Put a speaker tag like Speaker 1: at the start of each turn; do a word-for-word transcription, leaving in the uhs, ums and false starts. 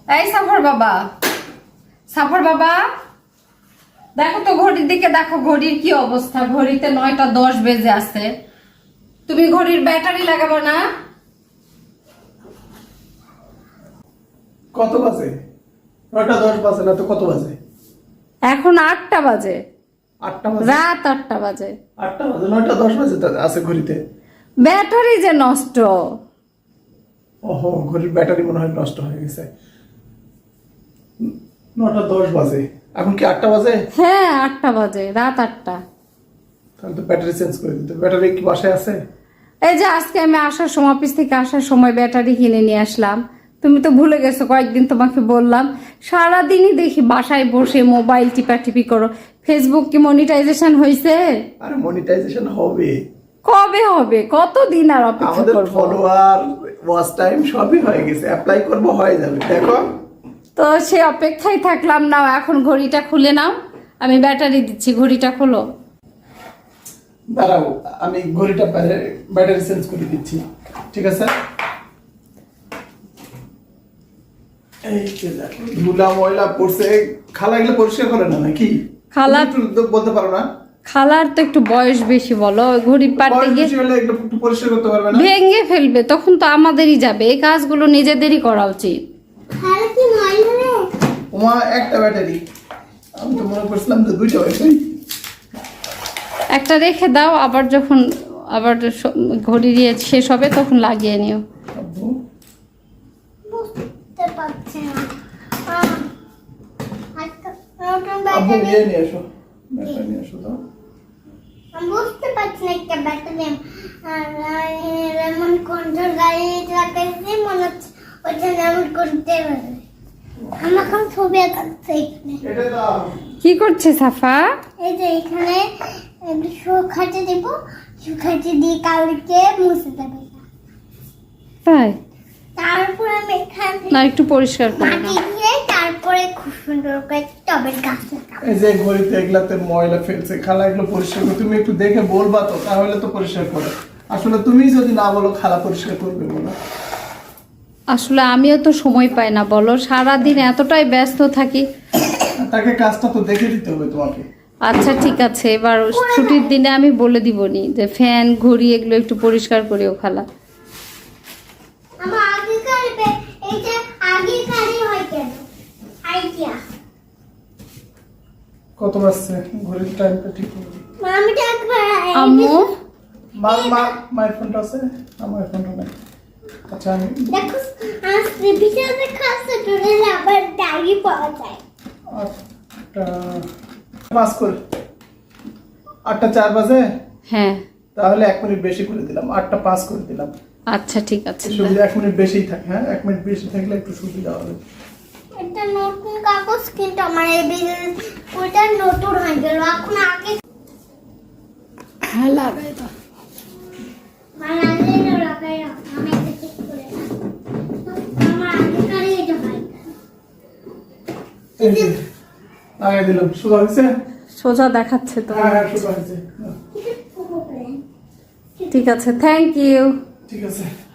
Speaker 1: এই সাফর বাবা, সাফর বাবা, দেখো তো ঘড়ির দিকে, দেখো ঘড়ির কি অবস্থা। ঘড়িতে নয়টা দশ বেজে আছে। তুমি ঘড়ির ব্যাটারি লাগাবো না?
Speaker 2: কত বাজে? নয়টা দশ বাজে না তো, কত বাজে?
Speaker 1: এখন আটটা বাজে।
Speaker 2: আটটা বাজে?
Speaker 1: রাত আটটা বাজে।
Speaker 2: আটটা বাজে? নয়টা দশ বাজে তো আছে ঘড়িতে।
Speaker 1: ব্যাটারি যে নষ্ট।
Speaker 2: ওহো, ঘড়ির ব্যাটারি মনে হয় নষ্ট হয়ে গেছে। নটা দশ বাজে, এখন কি আটটা বাজে?
Speaker 1: হ্যাঁ আটটা বাজে, রাত আটটা।
Speaker 2: তাহলে তো ব্যাটারি চেঞ্জ করে দিতে। ব্যাটারি কি বাসায় আছে?
Speaker 1: এই যে আজকে আমি আসার সময়, অফিস থেকে আসার সময় ব্যাটারি কিনে নিয়ে আসলাম। তুমি তো ভুলে গেছো, কয়েকদিন তোমাকে বললাম। সারাদিনই দেখি বাসায় বসে মোবাইল টিপাটিপি করো। ফেসবুক কি মনিটাইজেশন হয়েছে?
Speaker 2: আরে মনিটাইজেশন হবে।
Speaker 1: কবে হবে? কতদিন আর অপেক্ষা
Speaker 2: আমাদের
Speaker 1: করব?
Speaker 2: ফলোয়ার, ওয়াচ টাইম সবই হয়ে গেছে, অ্যাপ্লাই করব, হয়ে যাবে। দেখো
Speaker 1: তো সে অপেক্ষায় থাকলাম না। এখন ঘড়িটা খুলে নাও, আমি ব্যাটারি দিচ্ছি। ঘড়িটা খোলো।
Speaker 2: দাঁড়াও, আমি ঘড়িটা ব্যাটারি চেঞ্জ করে দিচ্ছি, ঠিক আছে? এই যে দেখো, ধুলা ময়লা পড়ছে। খালা এগুলো পরিষ্কার করে না নাকি?
Speaker 1: খালা
Speaker 2: তুমি একটু বলতে পারো না?
Speaker 1: খালার তো একটু বয়স বেশি, বলো। ঘড়ি পাড়তে
Speaker 2: বয়স
Speaker 1: গিয়ে
Speaker 2: বেশি হলে একটু একটু পরিষ্কার করতে পারবে না?
Speaker 1: ভেঙে ফেলবে, তখন তো আমাদেরই যাবে। এই কাজগুলো নিজেদেরই করা উচিত।
Speaker 2: ওমা, একটা ব্যাটারি, আমি তো মনে করছিলাম যে দুইটা ব্যাটারি।
Speaker 1: একটা রেখে দাও, আবার যখন আবার স- ঘড়ি দিয়ে শেষ হবে তখন লাগিয়ে নিও।
Speaker 2: আব্বু,
Speaker 3: বুঝতে পারছি না। আহ, একটা নতুন
Speaker 2: আব্বু
Speaker 3: ব্যাটারি।
Speaker 2: নিয়ে নিয়ে এসো, ব্যাটারি নিয়ে এসো তো।
Speaker 3: আমি বুঝতে পারছি না একটা ব্যাটারি। আর রেমন কন্ট্রোল গাড়ি লাগাইছি, মনে হচ্ছে ওইটা রেমন করতে পারে। আমি এখন ছবি আঁকাচ্ছি এখানে।
Speaker 2: এটা দাও।
Speaker 1: কি করছে সাফা?
Speaker 3: এই যে এখানে একটু শুকাতে দিব, শুকাতে দিয়ে কালকে মুছে দেবে।
Speaker 1: তাই
Speaker 3: তারপর আমি এখানে
Speaker 1: না, একটু পরিষ্কার করে
Speaker 3: মাটি
Speaker 1: নাও।
Speaker 3: দিয়ে তারপরে খুব সুন্দর করে টবের গাছ লাগাবো।
Speaker 2: এই যে ঘড়িতে এগুলাতে ময়লা ফেলছে, খালা এগুলো পরিষ্কার করে। তুমি একটু দেখে বলবা তো, তাহলে তো পরিষ্কার করে। আসলে তুমি যদি না বলো, খালা পরিষ্কার করবে বলো।
Speaker 1: আসলে আমিও তো সময় পাই না, বলো। সারাদিন এতটাই ব্যস্ত থাকি।
Speaker 2: তাকে কাজটা তো দেখে দিতে হবে তোমাকে।
Speaker 1: আচ্ছা ঠিক আছে, এবার ছুটির দিনে আমি বলে দিবনি যে ফ্যান ঘড়ি এগুলো একটু পরিষ্কার করিও খালা।
Speaker 3: আমার আগেকার বে- এইটা আগেকারই হয় কেন? আইডিয়া।
Speaker 2: কত বাজছে? ঘড়ির টাইমটা ঠিক করে দিই।
Speaker 3: মামিটা একবার
Speaker 1: আম্মু
Speaker 2: মা মা মায়ের ফোনটা আছে? আমার ফোনটা নাই। আচ্ছা, আমি
Speaker 3: দেখো, আজ ভিতরে খাসে টুলে আবার ডায়েরি পাওয়া যায়।
Speaker 2: আটটা পাস করে, আটটা চার বাজে।
Speaker 1: হ্যাঁ
Speaker 2: তাহলে এক মিনিট বেশি করে দিলাম, আটটা পাস করে দিলাম।
Speaker 1: আচ্ছা ঠিক আছে।
Speaker 2: সুবিধা এক মিনিট বেশিই থাকে। হ্যাঁ, এক মিনিট বেশি থাকলে একটু সুবিধা হবে।
Speaker 3: এটা নতুন কাগজ, কিন্তু আমার এই বিল- ওইটা নতুন হয়ে গেল। এখন আগে
Speaker 1: হ্যাঁ লাগাই দাও।
Speaker 3: বানালে না লাগাই না, আমি এটা ঠিক করে না। আমার আগেকারই এটা হয়।
Speaker 2: এই যে লাগাই দিলাম, সুবিধা হয়েছে?
Speaker 1: সোজা দেখাচ্ছে তো।
Speaker 2: হ্যাঁ হ্যাঁ, সুবিধা হয়েছে।
Speaker 3: এটা পুরো প্ল্যান।
Speaker 1: ঠিক আছে, থ্যাংক ইউ।
Speaker 2: ঠিক আছে।